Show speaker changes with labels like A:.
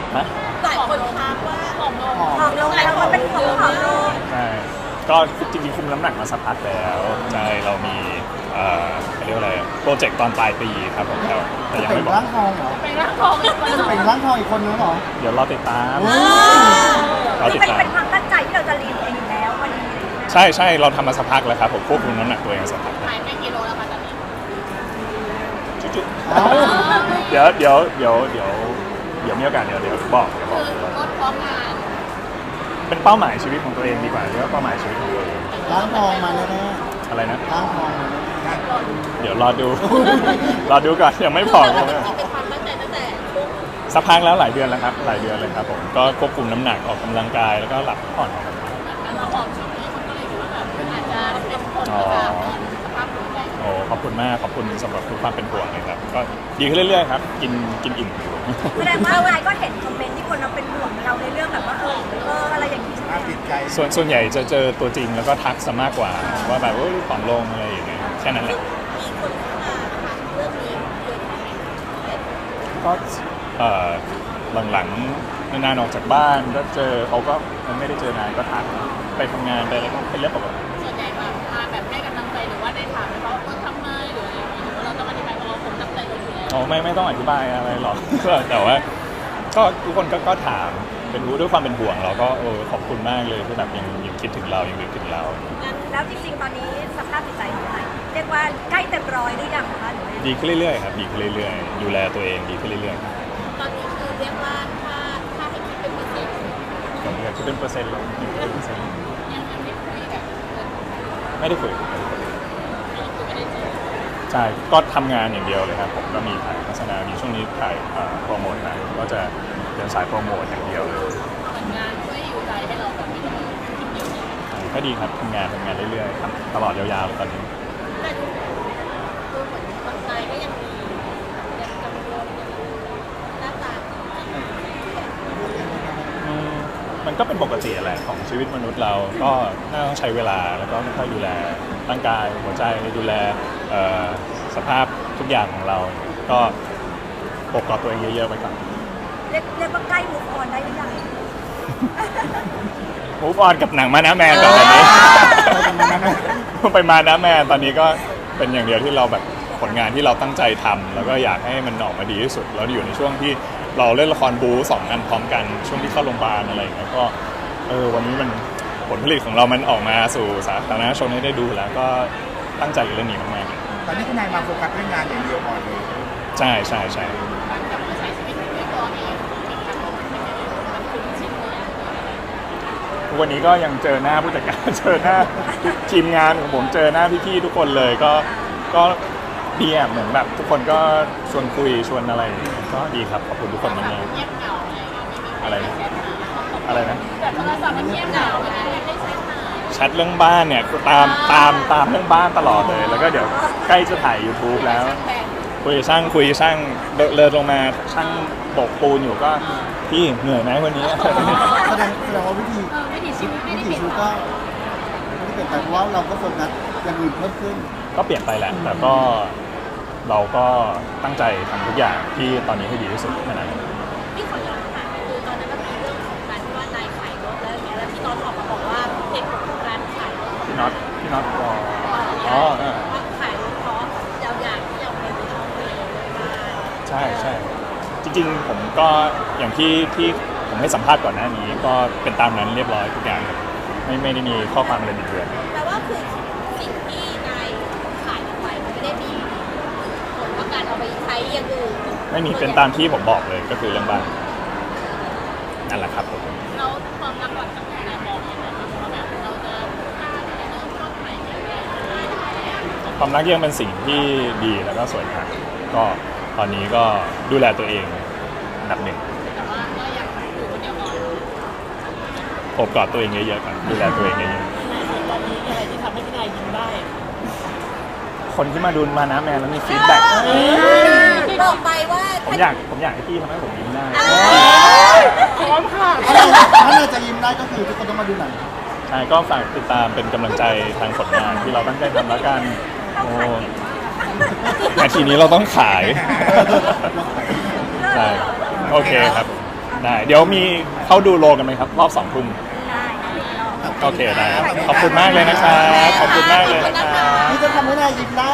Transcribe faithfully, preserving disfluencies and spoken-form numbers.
A: ฮะ
B: หลายคนทักว่าผอมลงผอมลง
C: หลายคนเป็นห่วงผอมลง
A: ใช่ก็จริงๆคุมน้ำหนักมาสักพักแล้วใช่เรามีเอ่อเขาเรียกว่าอะไรโปรเจกต์ตอนปลายปีครับผมแต่แต่ยัง
D: เป็
A: ไม่
D: น
A: บอก
D: ร่างทองเหรอ
B: เป็นร่างทองอีกคน
D: จะเป็นร่างทองอีกคนนึงเหรอ
A: เดี๋ยวรอติดตามรอ
C: คือ
A: ติด
C: เป็น
A: ตาม
C: เป็นความตั้งใจที่เราจะลีนเองอยู่แล้ววันนี้
A: ใช่ใช่เราทำมาสักพักแล้วครับผมควบคุมน้ำหนักตัวเองสักพัก
B: หายไปกี่โลแล้วคะตอนนี้
A: จุ๊บ
D: เอ้า
A: ๆเดี๋ยวเดี๋ยวเดี๋ยวเดี๋ยวเดี๋ยวมีโอกาสเดี๋ยวเดี๋ยวบอกเดี๋ยวบอก
B: คือลดพร้อมงาน
A: เป็นเป้าหมายชีวิตของตัวเองดีกว่าเรียกว่าเป้าหมายชีวิตของตัวเอง
D: ร่างทองมาแน่
A: อะไรนะ
D: ๆร่างทองมาแน่
A: เดี๋ยวรอดู รอดูก่อนยังไม่พอ
B: แต่ว่าจริงๆเป็นความตั้งใจตั้งแต่ช่วง
A: สักพักแล้วหลายเดือนแล้วครับหลายเดือนเลยครับผมก็ควบคุมน้ำหนักออกกำลังกายแล้วก็หลับพักผ่อน
B: การเราผอมช่วงนี้คนก็เลยคิดว่าแบบอาจจะเป็นผลมาจากสภาพหัวใจ
A: โอ้ขอบคุณมากขอบคุณสำหรับทุกความเป็นห่วงเลยครับก็ดีขึ้นเรื่อยๆครับกินกินอิ่มอยู่
C: แสดงว่านายก็เห็นคอมเมนต์ที่คนเราเป็นห่วงเราในเรื่องแบบว่าเออเอออะไรอย่างนี้ใช่ไหม
D: น่าติดใจ
A: ส่วนส่วนใหญ่จะเจอตัวจริงแล้วก็ทักซะมากกว่าว่าแบบว่าผอมลงอะไรอย่างเงี้ยแค่นั้นแหละ
B: มีคนเข้ามาถามเรื่องนี้เยอะแค่ไหน
A: ก็เอ่อหลังๆนานๆออกจากบ้านก็เจอเขาก็มันไม่ได้เจอนานก็ทักไปทำงานไปอะไรก็เป็นเรื่องปกติ
B: ส่วนใหญ่แบบมาแบบให้กำลังใจหรือว่าได้ถามไหมว่าเออทำไมหรืออะไรอย่างนี้หรือว่าเราต้องอธิบายว่าเราผมตั้งใจลงอยู่แล้ว
A: อ๋อไม่ไม่ต้องอธิบายอะไรหรอก แต่ว่าก็ทุกคนก็ก็ถามเป็นรู้ด้วยความเป็นห่วงเราก็เออขอบคุณมากเลยที่แบบยังยังคิดถึงเรายังนึกถึงเรา
C: แล้วจริงๆตอนนี้สภาพจิตใจของนายเรียกว่าใกล้เต็มร้อยหรือยังคะหรือว่า
A: ดีขึ้นเรื่อยๆครับดีขึ้นเรื่อยๆดูแลตัวเองดีขึ้นเรื่อยๆครับ
B: ตอนนี้คือเรียกว่าถ้าถ้าให้คิดเป็นเปอร์เซ็นต์
A: ผมอยากคิดเป็นเปอร์เซ็นต์เลยอยู่เป็นเปอร์เซ็นต์
B: ยังยังไม่คุยกับเพื่อน
A: ไม่ได้คุย
B: ไม่ได้คุยไม่ได้เจอ
A: ใช่ก็ทำงานอย่างเดียวเลยครับผมก็มีถ่ายโฆษณามีช่วงนี้ถ่ายเอ่อโปรโมทหนังก็จะเดินสายโปรโมทอย่างเดียวเลย
B: เหมือนงานช่วยอยู่ใจให้เราแบบไม่ต้องคิดเยอะเนี่ย
A: ก็ดีครับทำงานทำงานเรื่อยๆครับตลอดยาวๆเลยตอนนี้
B: แต่ดูดูเหมือนคนไทยก็ยังมียังกังวลยังหน้าตา
A: อืมมันก็เป็นปกติแหละของชีวิตมนุษย์เราก็น่าต้องใช้เวลาแล้วก็ค่อยๆดูแลร่างกายหัวใจดูแลเอ่อสภาพทุกอย่างของเรา ก็ปกกอบตัวเองเยอะๆไปก่อน
C: เรียกเรียกว่าใกล้มุกออนได้หรือยัง
A: มูฟออนกับหนังมานะแมนก่อนตอนนี้ ไปมานะแมนตอนนี้ก็เป็นอย่างเดียวที่เราแบบผลงานที่เราตั้งใจทำแล้วก็อยากให้มันออกมาดีที่สุดแล้วอยู่ในช่วงที่เราเล่นละครบู๊สองอันพร้อมกันช่วงที่เข้าโรงพยาบาลอะไรอย่างเงี้ยก็เออวันนี้มันผลผลิตของเรามันออกมาสู่สาธารณชนให้ได้ดูแล้วก็ตั้งใจกับเรื่องนี้มาก
D: ตอนนี้คุณนายมาโฟกัสเรื่องงานอย่างเดียวก่อนเลย
A: ๆใช่ใช่ใช่
B: การกลับมาใช้ชีวิตในตัวเองอีกครั้งมันคุ้นชินเลย
A: วันนี้ก็ยังเจอหน้าผู้จัดการ เจอหน้าทีมงานของผมเจอหน้าพี่ๆทุกคนเลยก็ก็ดีอ่ะเหมือนแบบทุกคนก็ชวนคุยชวนอะไรอย่างเงี้ยก็ดีครับขอบคุณทุกคนมาก
B: เงียบเหงาอะไรอย่างเงี้ยไม่มี
A: ๆ
B: ใค
A: อะไร
B: ร
A: นะ
B: แชทหา
A: อะไรนะ
B: แต่โทรศัพท์มันเงียบเหงาไม่มีใครได้ใช้หา
A: แชทเรื่องบ้านเนี่ยตามตามตามเรื่องบ้านตลอดเลย แล้วก็เดี๋ยวใกล้จะถ่าย YouTube แล้ว
B: ช่างแบน
A: คุยกับช่างคุยกับช่างเดินเดินลงมาช่างโบกปูนอยู่ก็พี่เหนื่อยไหมวันนี้
D: แสดงแสดงว่าวิธี
B: เออวิถีชีวิตไม่
D: วิ
B: ได้
D: ถี
B: เปลี่ยน
D: ชีวิตก็ไม่ได้เปลี่ยนไปเพราะว่าเราก็โฟกัสอย่างอื่นเพิ่มขึ้น
A: ก็เปลี่ยนไปแหละแต่ก็เราก็ตั้งใจทำทุกอย่างที่ตอนนี้ให้ดีที่สุดแค่นั้น
B: ที่ขอย้อนถามคือตอนนั้นมันมีเรื่องของการที่ว่านายขายรถแล้วอย่างเงี้ยแล้วพี่น้องออกมาบอกว่าเหตุผลของการขายรถ
A: พี่น็อตพี่น็อตรอ
B: อ๋
A: อ๋
B: อ
A: อเออ
B: ว่าขายรถเพราะเราอยากที่จะเอาเงินไปท่องเที่ยวบ้าน
A: ใช่ใช่จริงๆผมก็อย่างที่ที่ผมให้สัมภาษณ์ก่อนหน้านี้ ก็เป็นตามนั้นเรียบร้อยทุกอย่างไม่ไม่ได้มีข้อความอะไรบิดเบือน
B: แปลว่าคือสิ่งที่นายขายออกไปมันไม่ได้มีผลว่าการเอาไปใช้อย่างอื่น
A: ไม่มีเป็นตามที่ผมบอกเลยก็คือเรื่องบ้านนั่นแหละครับผม
B: เราความรักหลังจากนี้นายมองยังไงบ้างว่าแบบเราจะกล้าที่จะเริ่มต้นใหม่ยังไง
A: ความรักยังเป็นสิ่งที่ดีแล้วก็สวยงามก็ตอนนี้ก็ดูแลตัวเองอันดับหนึ่ง
B: แต่ว่าก็อยากอยู่คนเดียวก่อน
A: โอบกอดตัวเองเยอะๆก่อนดูแลตัวเองเยอะ
B: ตอนนี้อะไรที่ทำให้พี่นายยิ้มได้
A: ๆคนที่มาดูมานะแมนแล้วมีฟีดแบ็ก
B: บอกไปว่า
A: ผมอยากผมอยากให้พี่ทำให้ผมยิ้มได้
B: พร้อมค่ะ
D: ถ้าเราถ้าเราจะยิ้มได้ก็คือทุกคนต้องมาดูหนัง
A: ใช่ก็ฝากติดตามเป็นกำลังใจทางผลงานที่เราตั้งใจทำแล้วกันโอ้นาทีนี้เราต้องขาย ใช่โอเคครับ
C: โอ
A: ได้เดี๋ยวมีเข้าดูโลกันไหมครับรอบสองทุ่ม
C: ได้ค่ะ
A: โอเคได้ครับขอบคุณมากเลยนะครับขอบคุณมากเลยนะครับ
D: นี่จะทำให้นายยิ้มได้